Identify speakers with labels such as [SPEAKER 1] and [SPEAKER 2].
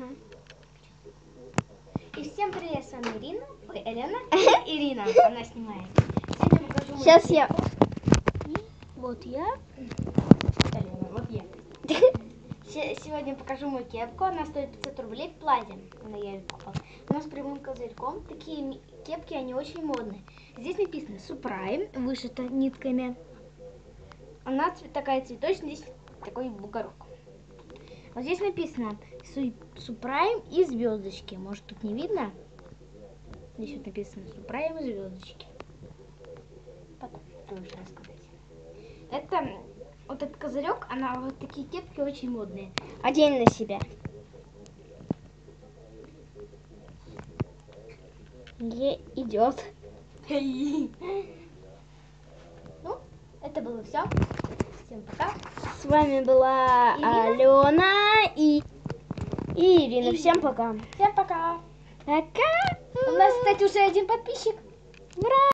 [SPEAKER 1] И всем привет, с вами Ирина. Ой, Елена. Ирина, она снимает.
[SPEAKER 2] Сейчас я...
[SPEAKER 1] Вот я. Елена, вот я. Сегодня покажу мою кепку. Она стоит 500 рублей в платье. Я ее покупала. Она с прямым козырьком. Такие кепки, они очень модные. Здесь написано Supreme, вышито нитками. Она такая цветочная, здесь такой бугорок. Вот здесь написано Supreme и звездочки. Может, тут не видно? Здесь вот написано Supreme и звездочки. Потом лучше рассказать. Это вот этот козырек, она вот такие кепки очень модные.
[SPEAKER 2] Одень на себя. Не идет.
[SPEAKER 1] Ну, это было все. Всем пока.
[SPEAKER 2] С вами была Алена и Ирина. Всем пока.
[SPEAKER 1] Всем пока.
[SPEAKER 2] Пока.
[SPEAKER 1] У нас, кстати, уже один подписчик.
[SPEAKER 2] Ура!